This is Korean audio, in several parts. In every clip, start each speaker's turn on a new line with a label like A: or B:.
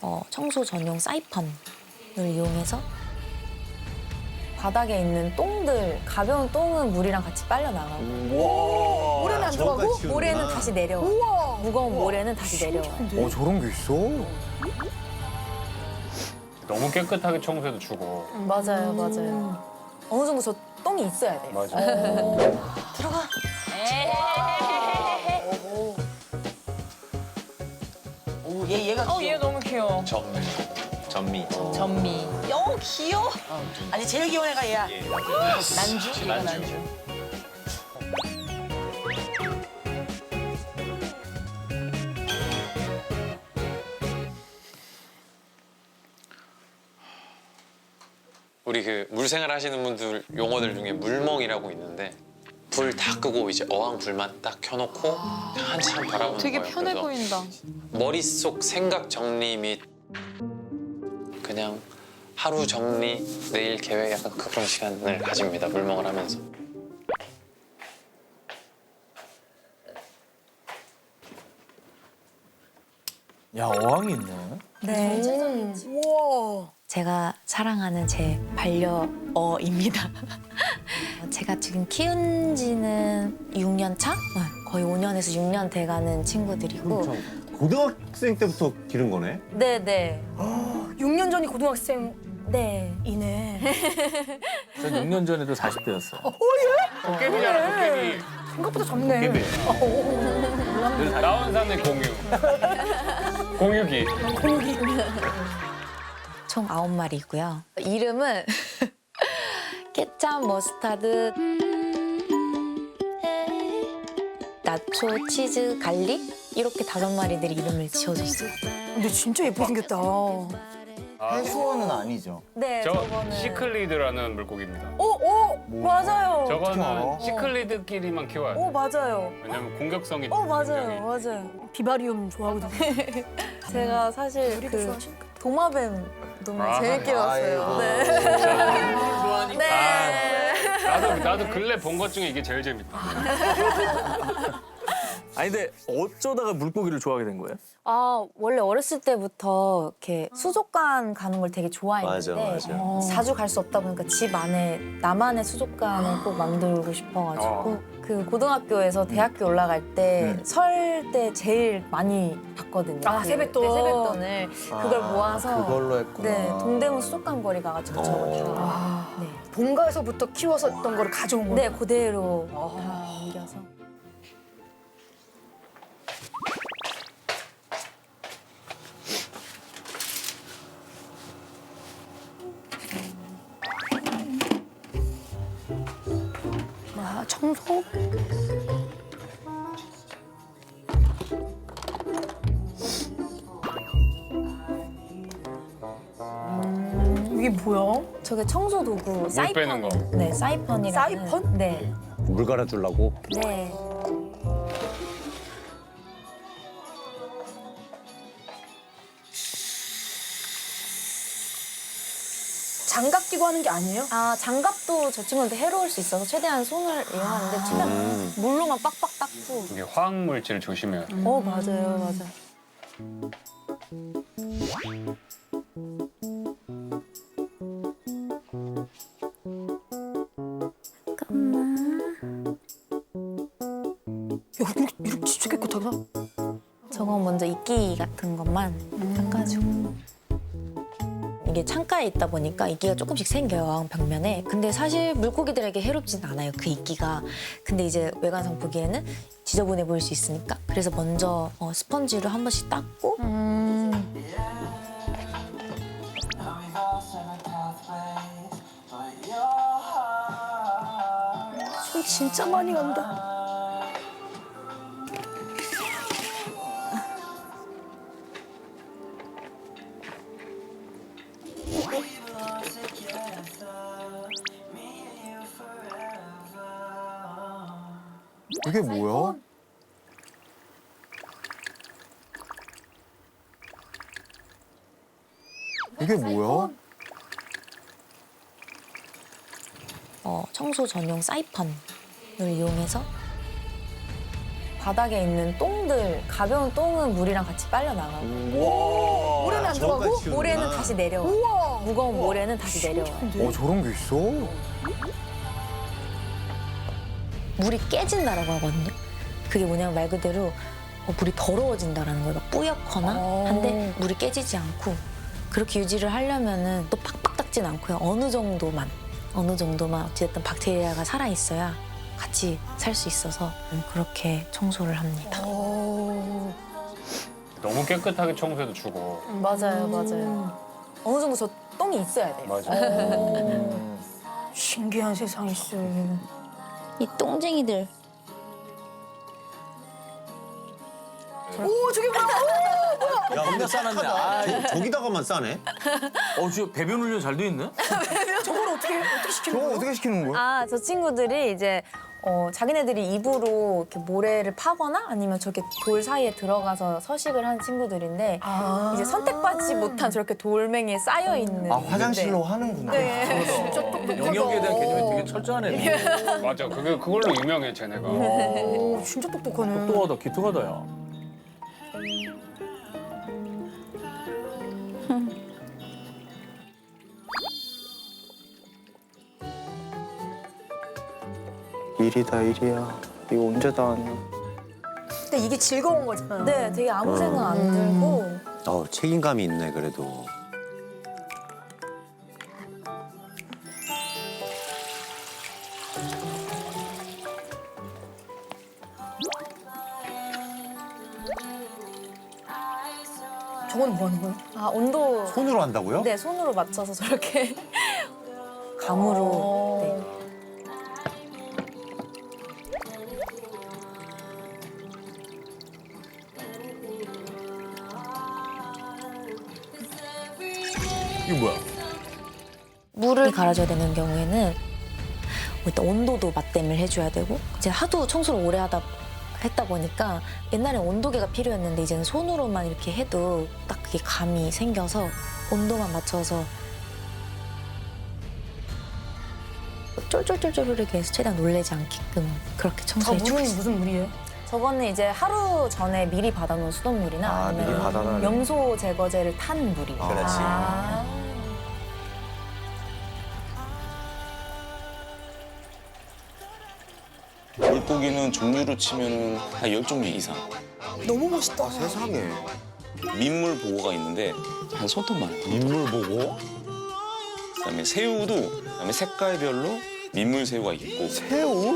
A: 청소 전용 사이펀을 이용해서 바닥에 있는 똥들, 가벼운 똥은 물이랑 같이 빨려 나가고
B: 모래는 안 들어가고?
A: 모래는 다시 내려와.
B: 우와.
A: 무거운 모래는 다시 내려와.
C: 저런 게 있어?
D: 너무 깨끗하게 청소해도 주고.
A: 맞아요, 맞아요. 어느 정도 저 똥이 있어야 돼요.
D: 맞아.
A: 들어가.
B: 오, 얘가 귀여워.
E: 얘 너무 귀여워.
F: 전미.
E: 전미. 귀여워.
B: 아니, 제일 귀여운 애가 얘야.
E: 난주? 얘가 난주.
F: 우리 그 물생활 하시는 분들 용어들 중에 물멍이라고 있는데 불 다 끄고 이제 어항 불만 딱 켜놓고 한참 바라보는
E: 되게
F: 거예요.
E: 편해
F: 그래서
E: 보인다.
F: 머릿속 생각 정리 및 그냥 하루 정리, 내일 계획 약간 그런 시간을 가집니다. 물멍을 하면서.
C: 야, 어항이 있네.
A: 네.
B: 우와.
A: 제가 사랑하는 제 반려어입니다. 제가 지금 키운 지는 6년 차? 거의 5년에서 6년 돼가는 친구들이고.
G: 고등학생 때부터 기른 거네?
A: 네네.
B: 6년 전이 고등학생이네.
A: 네.
C: 전 6년 전에도 40대였어.
D: 도깨비잖아, 도깨비.
B: 생각보다 젊네.
D: 도깨비. 나온산의 공유. 공유기.
A: 총 9마리고요. 이름은 케찹, 머스타드, 나초, 치즈, 갈릭 이렇게 5마리들이 이름을 지어줬어요.
B: 근데 진짜 예쁘게 생겼다.
C: 해수원은 아니죠.
A: 네,
D: 저
A: 저거는
D: 시클리드라는 물고기입니다.
A: 맞아요.
D: 저거는 시클리드끼리만 키워요.
A: 맞아요.
D: 왜냐면 공격성이
A: 맞아요. 맞아요.
B: 비바리움 좋아하거든요.
A: 제가 사실
B: 요리도
A: 그
B: 좋아하시니까.
A: 도마뱀 너무
D: 아,
A: 재밌게 봤어요. 네.
F: 좋아하니까.
A: 네.
D: 나도 근래 본 것 중에 이게 제일 재밌다.
C: 아니, 근데 어쩌다가 물고기를 좋아하게 된 거예요?
A: 원래 어렸을 때부터 이렇게 수족관 가는 걸 되게 좋아했는데
G: 맞아.
A: 자주 갈 수 없다 보니까 집 안에 나만의 수족관을 꼭 만들고 싶어가지고 그 고등학교에서 대학교 올라갈 때 설 때 제일 많이 봤거든요.
B: 세뱃돈.
A: 네, 세뱃돈을 그걸 모아서
C: 그걸로 했구나.
A: 네, 동대문 수족관 거리 가가지고 저거 다 네.
B: 본가에서부터 키워서던 거를 가져온 거네.
A: 네, 그대로 다 옮겨서.
B: 청소? 이게 뭐야?
A: 저게 청소 도구 사이펀.
D: 빼는 거.
A: 네, 사이펀이라는.
B: 사이펀?
A: 네.
G: 물 갈아주려고?
A: 네.
B: 장갑 끼고 하는 게 아니에요?
A: 장갑도 저 친구한테 해로울 수 있어서 최대한 손을 이용하는데 최대한 물로만 빡빡 닦고.
D: 이게 화학물질 조심해야 돼.
A: 맞아요, 맞아요.
B: 야, 이렇게 진짜 깨끗하다.
A: 저건 먼저 이끼 같은 것만 닦아주고. 이게 창가에 있다 보니까 이끼가 조금씩 생겨요, 어항 벽면에. 근데 사실 물고기들에게 해롭진 않아요, 그 이끼가. 근데 이제 외관상 보기에는 지저분해 보일 수 있으니까. 그래서 먼저 스펀지로 한 번씩 닦고.
B: 손 진짜 많이 간다.
C: 이게 뭐야? 이게 뭐야?
A: 청소 전용 사이펀을 이용해서 바닥에 있는 똥들, 가벼운 똥은 물이랑 같이 빨려 나가고
B: 모래는 바람이 안 들어가고?
A: 모래는 다시 내려와.
B: 우와.
A: 무거운 모래는 다시 내려와.
C: 저런 게 있어?
A: 물이 깨진다라고 하거든요. 그게 뭐냐면 말 그대로 물이 더러워진다라는 거예요. 막 뿌옇거나 한데 물이 깨지지 않고 그렇게 유지를 하려면은 또 팍팍 닦진 않고요. 어느 정도만 어찌됐든 박테리아가 살아 있어야 같이 살 수 있어서 그렇게 청소를 합니다.
D: 너무 깨끗하게 청소해도 죽어.
A: 맞아요. 어느 정도 저 똥이 있어야 돼요.
D: 맞아.
B: 신기한 세상이 있어요.
A: 이 똥쟁이들.
B: 오, 저게 뭐야?
G: 야, 근데 싸놨네. 아, 저기다가만 싸네.
C: 진짜 배변 훈련 잘 돼 있네?
B: 저걸 어떻게 시키는
C: 저거
B: 거야?
C: 어떻게 시키는 거야?
A: 아, 저 친구들이 이제 자기네들이 입으로 이렇게 모래를 파거나 아니면 저렇게 돌 사이에 들어가서 서식을 하는 친구들인데 이제 선택받지 못한 저렇게 돌멩이에 쌓여 있는.
C: 화장실로 하는구나.
A: 네.
B: 진짜 똑똑하다.
C: 영역에 대한 개념이 되게 철저한 애네.
D: 맞아. 그걸로 유명해 쟤네가.
B: 오, 진짜 똑똑하네.
C: 똑똑하다, 기특하다, 야.
H: 일이다 일이야. 이거 언제 다 하냐.
B: 근데 이게 즐거운 거잖아.
A: 네, 되게 아무 생각 안 들고.
G: 책임감이 있네, 그래도.
B: 저건 뭐 하는 거야?
A: 아, 온도.
G: 손으로 한다고요?
A: 네, 손으로 맞춰서 저렇게 감으로. 네.
C: 이게 뭐야?
A: 물을 갈아줘야 되는 경우에는 일단 온도도 맞댐을 해줘야 되고 이제 하도 청소를 오래 했다 보니까 옛날엔 온도계가 필요했는데 이제는 손으로만 이렇게 해도 딱 그게 감이 생겨서 온도만 맞춰서 쫄쫄쫄쫄하게 해서 최대한 놀래지 않게끔 그렇게
B: 저
A: 청소해주고
B: 물은
A: 있어요.
B: 무슨 물이에요?
A: 저거는 이제 하루 전에 미리 받아놓은 수돗물이나
C: 아, 미리
A: 아니면
C: 받아놔야
A: 염소 제거제를 탄 물이에요.
G: 그렇지.
I: 물고기는 종류로 치면은 한 10종류 이상.
B: 너무 멋있다.
C: 세상에.
I: 민물 보고가 있는데 한 손톱만 해요.
G: 인물 보고.
I: 그다음에 새우도 그다음에 색깔별로 민물 새우가 있고
C: 새우?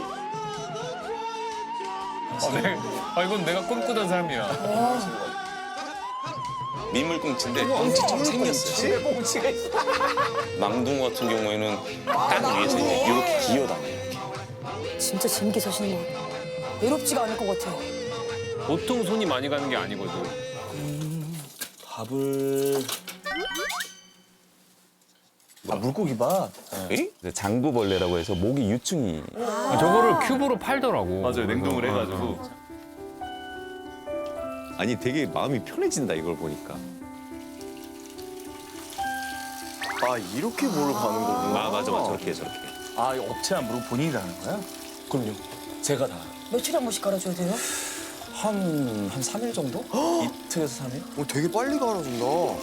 D: 이건 내가 꿈꾸던 삶이야.
I: 민물 꽁치인데 꽁치처럼 생겼어요.
C: 꽁치가 있어.
I: 망둥어 같은 경우에는 땅 위에서 이제 이렇게 기어다녀요.
B: 진짜 재밌게 사시는 것 같아. 외롭지가 않을 것 같아.
D: 보통 손이 많이 가는 게 아니거든.
I: 밥을
C: 물고기밥.
H: 장구벌레라고 해서 모기 유충이.
D: 저거를 큐브로 팔더라고.
H: 맞아요, 냉동을 해가지고. 아니, 되게 마음이 편해진다, 이걸 보니까.
C: 이렇게 물을 가는 거구나.
H: 아, 맞아. 저렇게, 저렇게.
C: 이 업체 안 부르고 본인이 다 하는 거야?
I: 그럼요. 제가 다.
B: 며칠에 한 번씩 갈아줘야 돼요?
I: 한 3일 정도? 이틀에서 3일?
C: 되게 빨리 갈아준다.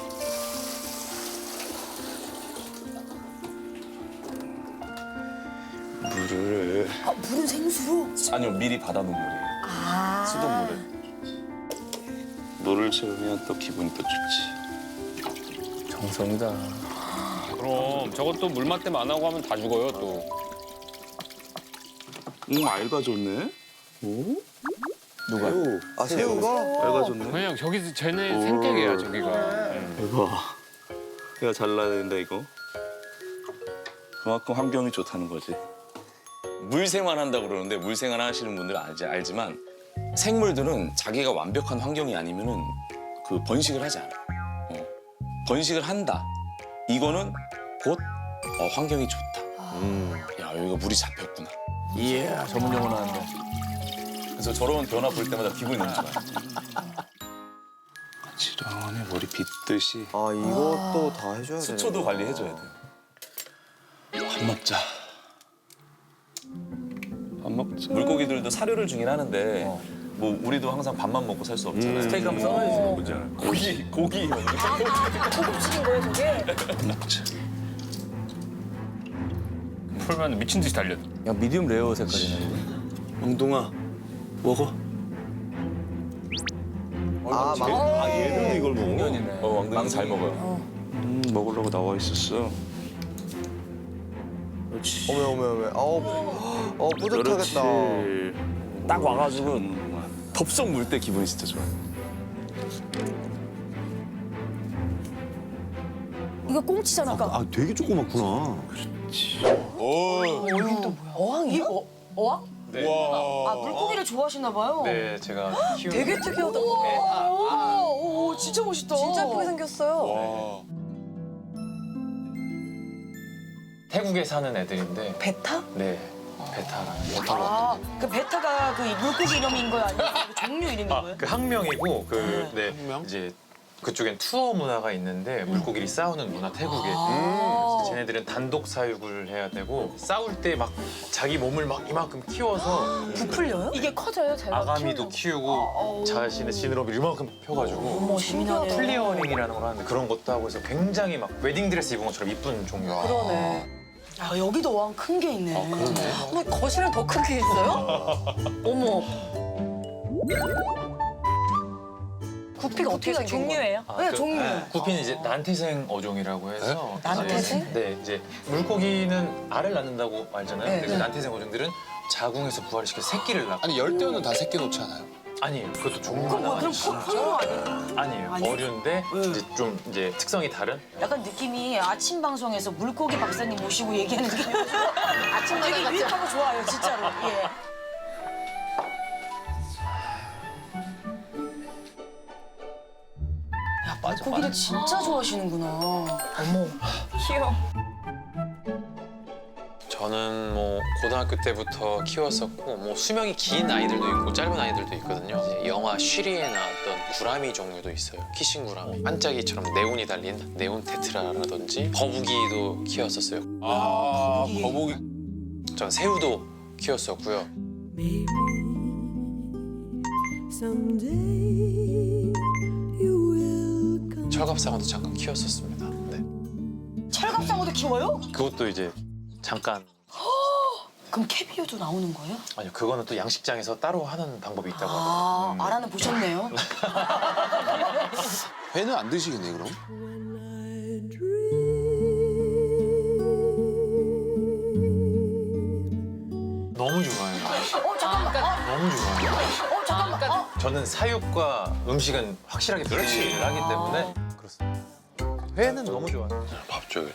I: 물을
B: 물은 생수로?
I: 아니요 미리 받아놓은 물이에요. 수돗물을. 물을 채우면 또 기분이 또 좋지.
C: 정성이다.
D: 그럼 저것도 물맛댐 안 하고 하면 다 죽어요 또.
I: 알바 좋네. 오?
C: 누가? 새우가?
I: 알바 좋네.
D: 그냥 저기 쟤네 생태계야 저기가.
I: 대박. 내가 잘라야 된다 이거. 그만큼 환경이 좋다는 거지. 물생활 한다고 그러는데 물생활 하시는 분들은 알지만 생물들은 자기가 완벽한 환경이 아니면은 그 번식을 하지 않아. 번식을 한다. 이거는 곧 환경이 좋다. 야 여기가 물이 잡혔구나.
C: 이야, 전문 용어 나왔네.
I: 그래서 저런 변화 볼 때마다 기분이 너무 좋아요. 지런히 머리 빗듯이
C: 이것도 다 해줘야 돼.
I: 수초도 관리해줘야 돼요. 밥 먹자. 밥 먹자. 물고기들도 사료를 주긴 하는데 뭐 우리도 항상 밥만 먹고 살 수 없잖아요.
G: 스테이크 한번 썰어야지.
I: 고기 먹는 거.
B: 고급식인 거예요, 저게?
D: 풀면 미친 듯이 달려.
G: 야 미디움 레어 색깔이네.
H: 엉동아 먹어.
C: 막
G: 얘도 이걸 먹어.
I: 왕동이 잘 먹어요.
H: 먹으려고 나와 있었어.
C: 어메. 아우, 뿌듯하겠다.
I: 딱 와가지고 덥석 물 때 기분이 진짜 좋아.
B: 이거 꽁치잖아.
G: 아 되게 조그맣구나.
B: 어항이요? 어항?
F: 네.
B: 아, 물고기를 좋아하시나 봐요.
F: 네, 제가 키우는
B: 되게 특이하다. 오, 진짜 멋있다. 진짜 예쁘게 생겼어요.
F: 태국에 사는 애들인데
B: 베타?
F: 네, 베타라는
B: 아, 그 베타가 그 물고기 이름인 거야? 아니면 그 종류 이름인 거예요?
F: 그 학명이고 네, 이제 그쪽엔 투어 문화가 있는데 물고기들이 싸우는 문화 태국에. 그래서 쟤네들은 단독 사육을 해야 되고 싸울 때 막 자기 몸을 막 이만큼 키워서
B: 부풀려요? 이게 커져요, 제가?
F: 아가미도 키우고 자신의 지느러미를 이만큼 펴가지고
B: 어머, 재미나네.
F: 플리어링이라는 걸 하는데 그런 것도 하고 해서 굉장히 막 웨딩드레스 입은 것처럼 이쁜 종류가.
B: 그러네. 야, 여기도 어항 큰 게 있네. 어머, 거실은 더 큰 게 있어요? 어머. 구피가 어떻게 생긴 종류예요? 네,
F: 그,
B: 종류.
F: 구피는 이제 난태생 어종이라고 해서
B: 난태생?
F: 이제, 네, 이제 물고기는 알을 낳는다고 알잖아요.
B: 네,
F: 근데 그
B: 네.
F: 난태생 어종들은 자궁에서 부활시켜서 새끼를 낳고.
C: 아니, 열대어는 다 새끼 놓잖아요.
F: 아니에요. 그것도 종류가
B: 그럼 뭐, 그럼
F: 나뉘어요.
B: 콩으로 아니에요?
F: 아니에요.
B: 아니에요?
F: 어류인데 이제 좀 이제 특성이 다른.
B: 약간 느낌이 아침 방송에서 물고기 박사님 모시고 얘기하는 느낌이어서 아침 되게 유익하고 좋아요, 진짜로. 예. 야, 물고기를 진짜 좋아하시는구나. 어머. 귀여워.
F: 저는 뭐 고등학교 때부터 키웠었고 뭐 수명이 긴 아이들도 있고 짧은 아이들도 있거든요. 이제 영화 쉬리에 나왔던 구라미 종류도 있어요. 키싱 구라미. 반짝이처럼 네온이 달린 네온 테트라라든지 거북이도 키웠었어요.
I: 아, 거북이.
F: 전 새우도 키웠었고요. 철갑상어도 잠깐 키웠었습니다. 네.
B: 철갑상어도 키워요?
F: 그것도 이제 잠깐.
B: 그럼 캐비어도 나오는 거예요?
F: 아니요, 그거는 또 양식장에서 따로 하는 방법이 있다고 하더라고요.
B: 아, 알아는 보셨네요.
C: 회는 안 드시겠네, 그럼?
F: 너무 좋아해요.
B: 잠깐만.
F: 너무 좋아해요.
B: 잠깐만.
F: 저는 사육과 음식은 확실하게 분리를 하기 때문에 그렇습니다. 회는 너무 좋아요. 밥 줘요.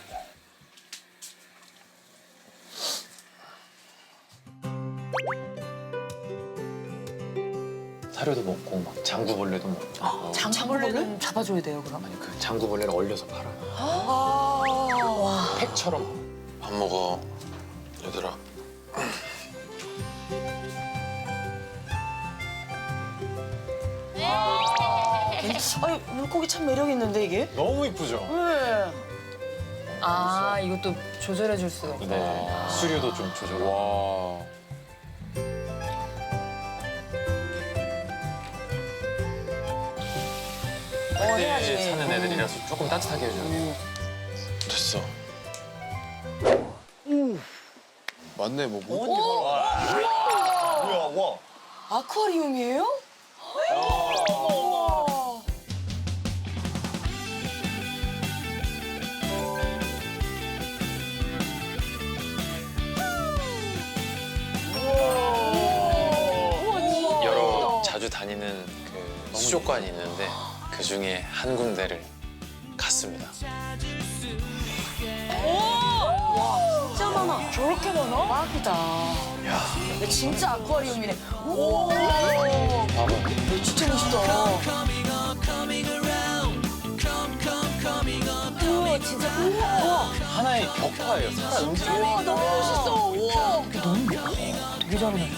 F: 사료도 먹고 막 장구벌레도 먹고.
B: 장벌레는 잡아줘야 돼요, 그럼?
F: 아니 그 장구벌레를 얼려서 팔아요.
B: 와.
F: 팩처럼. 밥 먹어, 얘들아.
B: 아니, 물고기 참 매력 있는데 이게?
F: 너무 이쁘죠?
B: 네.
E: 아, 이것도 조절해 줄 수가 있구나.
F: 네. 수류도 좀 조절.
D: 와.
B: 해야지.
F: 그때 사는 애들이라서 조금 따뜻하게 해줘요. 됐어.
C: 맞네, 뭐.
G: 뭐야 와.
B: 아쿠아리움이에요? 어머.
F: 여러 자주 다니는 그 수족관이 있는데 그 중에 한 군데를 갔습니다.
B: 진짜 많아. 저렇게 많아? 대박이다. 야, 진짜 아쿠아리움이네. 오.
F: 봐봐.
B: 진짜 멋있다. 우와, 진짜. 우와.
F: 하나의 벽화예요. 살아 움직여.
B: 우와, 너무 멋있어. 우와. 되게 잘하네.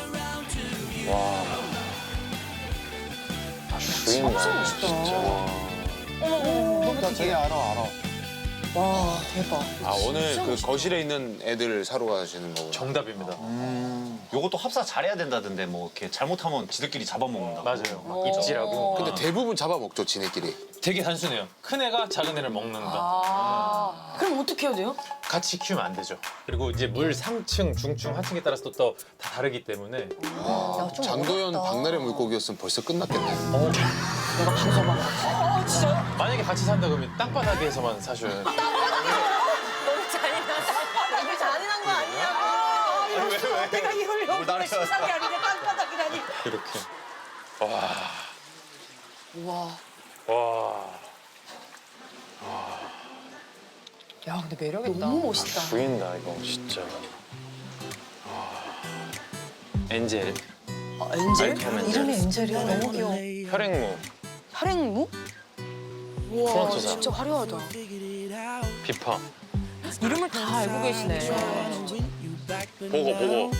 F: 주인공.
B: 진짜 멋있다.
F: 진짜.
B: 어머,
C: 나 되게 알아.
E: 와 대박.
C: 아 오늘 그 거실에 있는 애들 사러 가시는 거구나.
J: 정답입니다.
G: 요것도 합사 잘해야 된다던데 뭐 이렇게 잘못하면 지들끼리 잡아먹는다.
J: 맞아요. 막 입질하고.
C: 근데 대부분 잡아먹죠 지네끼리.
J: 되게 단순해요. 큰 애가 작은 애를 먹는다.
B: 그럼 어떻게 해야 돼요?
J: 같이 키우면 안 되죠. 그리고 이제 물 상층, 중층, 하층에 따라서 또 다 다르기 때문에
C: 장도연 박나래 물고기였으면 벌써 끝났겠네.
J: 만약에 같이 산다 그러면 땅바닥에서만 사셔야 돼요.
B: 이게 잔인한 거 아니냐고. 내가 이걸 여기 시상이 아닌데 땅바닥이라니.
J: 이렇게.
E: 와.
J: 와.
E: 야 근데 매력 있다.
B: 너무 멋있다.
J: 보인다 이거 진짜. 엔젤,
B: 엔젤?
J: 알카면 엔젤.
B: 이름이 엔젤이야. 너무 귀여워.
J: 혈액무,
B: 혈액무? 우와,
J: 프론토사.
B: 진짜 화려하다.
J: 비파,
E: 이름을 다 알고 계시네.
J: 보고.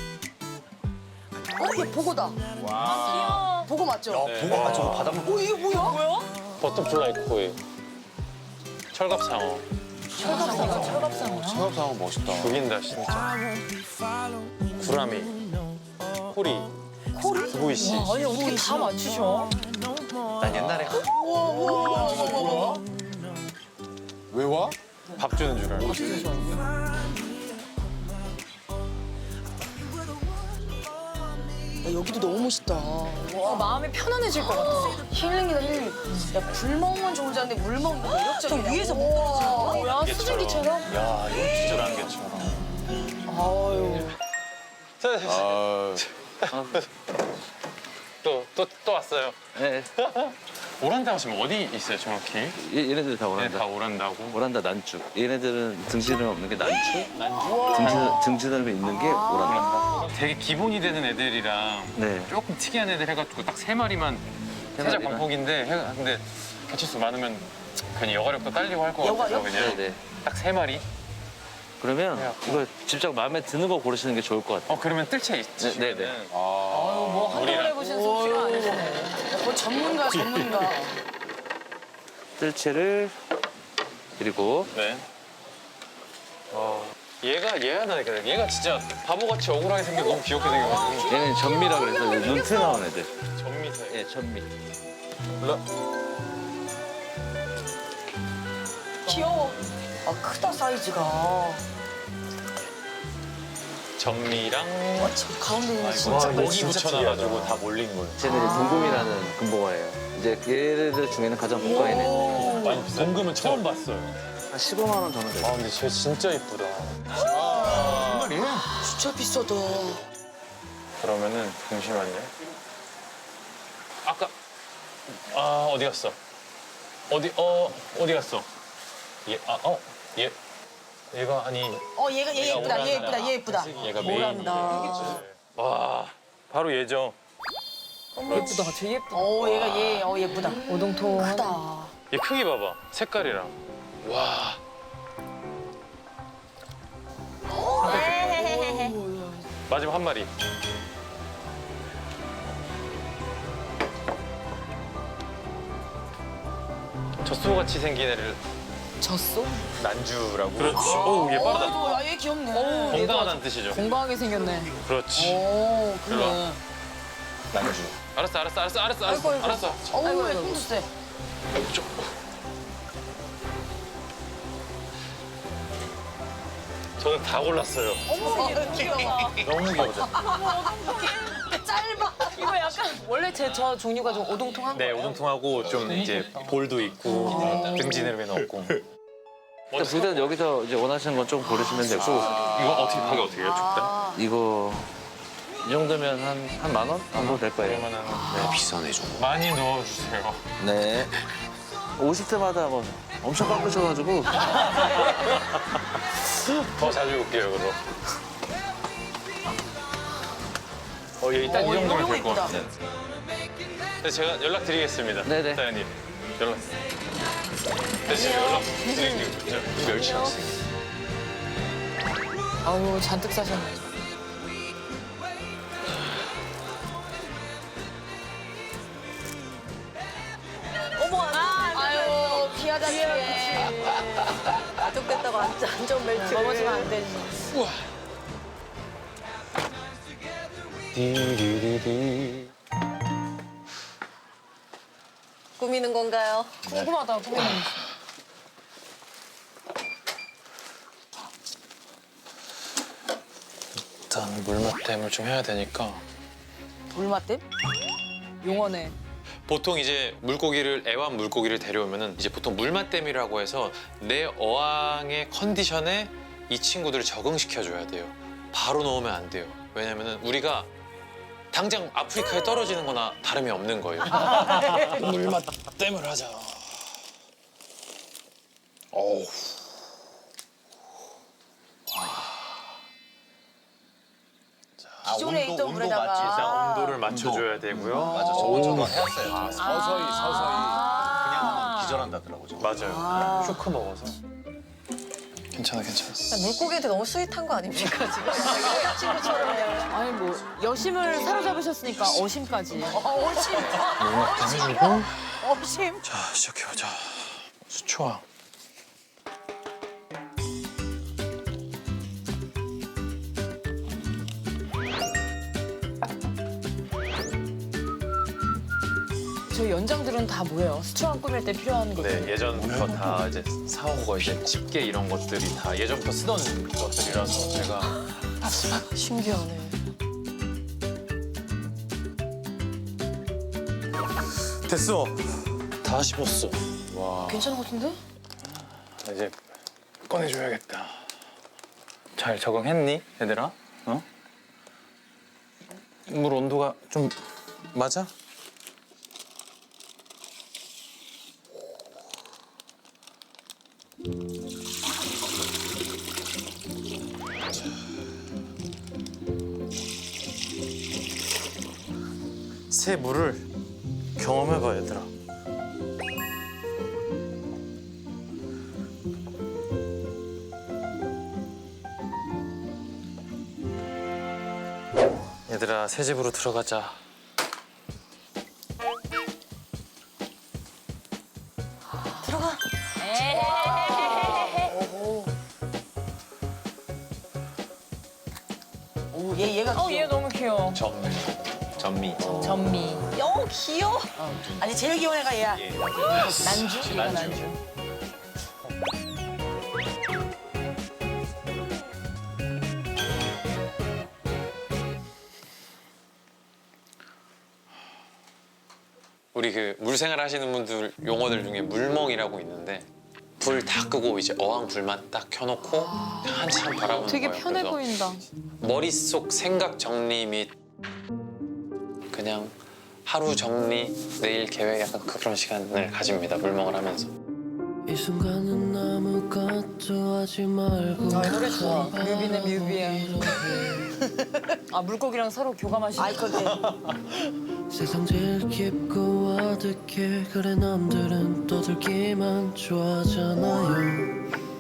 B: 얘 보고다. 와. 보고 맞죠?
G: 보고 저거 바닥만.
B: 이게 뭐야?
J: 버터플라이 코일, 철갑상어.
C: 체험상은 멋있다.
J: 죽인다 진짜. 구라미, 코리, 두부이씨.
E: 아니 어떻게 다 맞추셔?
G: 난 옛날에
C: 왜 와?
J: 밥 주는 줄 알고.
B: 야, 여기도 너무 멋있다.
E: 와 마음이 편안해질 것 같아.
B: 힐링이다 힐링. 야, 굴 먹으면 좋은 줄 알았는데 물 먹는 거 매력적이야. 저 위에서 먹는
E: 뭐야 수증기처럼?
J: 야, 이거 진짜 난게처럼.
B: 아유.
J: 또 왔어요.
K: 네,
J: 오란다 하시면 어디 있어요, 정확히?
K: 얘네들 다
J: 네,
K: 오란다.
J: 다 오란다고.
K: 오란다 난주. 얘네들은 등지름 없는 게 난주. 등지름이 있는 게 오란다.
J: 되게 기본이 되는 애들이랑
K: 네.
J: 조금 특이한 애들 해가지고 딱 세 마리만 살짝
K: 마리만?
J: 광폭인데 근데 개체수 많으면 괜히 여가력도 딸리고 할 것 같아서
B: 여가력?
J: 그냥
K: 네네.
J: 딱 세 마리.
K: 그러면
J: 해갖고.
K: 이거 직접 마음에 드는 거 고르시는 게 좋을 것 같아요.
J: 그러면 뜰채 있지.
K: 네, 네.
E: 뭐 한동안 해보신 솜씨가 아니시네.
B: 뭐 전문가.
K: 뜰채를 그리고
J: 네. 얘가 나니까 얘가 진짜 바보같이 억울하게 생겨 너무 귀엽게 생겨가지고
K: 얘는 전미라 그래서 눈트 나온 애들.
J: 전미세.
K: 예, 전미.
B: 귀여워. 아, 크다 사이즈가.
J: 전미랑
B: 저 가운데 있는 진짜
J: 먹이 붙여놔가지고 다 몰린 거예요.
K: 쟤는 동금이라는 금붕어예요. 이제 얘네들 중에는 가장 고가인 애.
J: 아니 동금은 처음 봤어요.
K: 한 15만 원 정도 돼요.
J: 근데 쟤 진짜 이쁘다.
B: 진짜 비싸다.
J: 그러면은 잠시만요. 아까 어디 갔어? 어디 갔어? 얘가 아니
B: 얘 예쁘다. 얘 예쁘다.
J: 얘가 메인. 와 바로 얘죠.
E: 예쁘다. 되게 예쁘다.
B: 얘가 예쁘다.
E: 오동통.
B: 크다.
J: 얘 크기 봐봐. 색깔이랑. 와. 마지막 한 마리. 젖소같이 생긴 애를
B: 졌어?
J: 난주라고. 그렇지. 오, 얘 빠르다.
B: 야, 얘 귀엽네.
J: 건강하다는 뜻이죠.
E: 공부하게 생겼네.
J: 그렇지.
B: 오,
J: 일로 와.
B: 그러네.
J: 난주. 알았어. 알았어.
B: 어우, 얘 힘도 세.
J: 저는 다 골랐어요.
B: 어머, 귀여워.
J: 너무 귀여워져.
B: 짧아.
E: 이거 약간 원래 저 종류가 좀 오동통한
J: 네,
E: 거예요?
J: 오동통하고 좀 이제 볼도 있고 등지내면 없고.
K: 일단 부대는 여기서 이제 원하시는 건 좀 고르시면 되고
J: 이거 어떻게 해요? 죽다?
K: 이거 이 정도면 한 만 원 정도 될 거예요.
J: 그러면은
C: 비싸네 좀.
J: 많이 넣어주세요.
K: 네. 오실 때마다 뭐 엄청 깎으셔가지고
J: 더 자주 올게요, 그럼. 얘 일단 이 정도면 될 것
B: 이쁘다.
J: 같아요. 네, 제가 연락드리겠습니다.
K: 네네.
J: 사장님. 연락. 네, 지금 연락드릴게요. 멸치 학생.
E: 아우 잔뜩 사셨네.
B: 아유, 귀여워. 귀하다 귀해.
A: 가족됐다고 안전벨트.
B: 넘어지면 안 되지.
A: 꾸미는 건가요?
E: 궁금하다, 궁금해.
F: 일단 물맛댐을 좀 해야 되니까
B: 물맛댐?
E: 용어네.
F: 보통 이제 물고기를 애완 물고기를 데려오면은 이제 보통 물맛댐이라고 해서 내 어항의 컨디션에 이 친구들을 적응시켜 줘야 돼요. 바로 넣으면 안 돼요. 왜냐면은 우리가 당장 아프리카에 떨어지는 거나 다름이 없는 거예요. 물맛댐을 하자. 어우.
B: 기존에 있던 물에다가
J: 온도를 맞춰줘야 되고요.
G: 맞아, 저거 저도 해왔어요.
C: 아, 서서히
G: 그냥 하면 기절한다더라고. 저거.
J: 맞아요. 쇼크 먹어서.
F: 괜찮아, 괜찮아.
A: 물고기한테 너무 스윗한 거 아닙니까 지금?
E: 아니 뭐 여심을 사로잡으셨으니까 어심까지.
B: 어심.
F: 자, 시작해보자. 수초왕.
E: 저 연장들은 다 뭐예요? 수초왕 꾸밀 때 필요한 것들.
J: 네, 예전부터 다 이제 사온 거 이제 집게 이런 것들이 다 예전부터 쓰던 것들이라서 제가
E: 신기하네.
J: 됐어.
F: 다 씹었어.
J: 와,
E: 괜찮은 것 같은데?
J: 이제 꺼내줘야겠다. 잘 적응했니, 얘들아? 어?
F: 물 온도가 좀 맞아?
J: 새 물을 경험해봐, 얘들아. 얘들아, 새 집으로 들어가자.
B: 오, 얘가 귀여워.
E: 얘 너무 귀여워.
J: 전미.
E: 전미.
B: 어, 귀여워. 아니 제일 귀여운 애가 얘야.
E: 난주? 얘가 난주.
F: 우리 그 물생활 하시는 분들 용어들 중에 물멍이라고 있는데 불 다 끄고 이제 어항 불만 딱 켜놓고 한참 바라보는
E: 되게
F: 거예요.
E: 편해
F: 그래서
E: 보인다.
F: 머릿속 생각 정리 및 그냥 하루 정리, 내일 계획 약간 그런 시간을 가집니다. 물멍을 하면서.
K: 이 순간은 아무것도 하지 말고
E: 아, 이 노래 좋아. 뮤비네, 뮤비야. 아, 물고기랑 서로 교감하시는.
B: 아이 컨택.
K: 세상 제일 깊고 아득해 그래 남들은 떠들기만 좋아하잖아요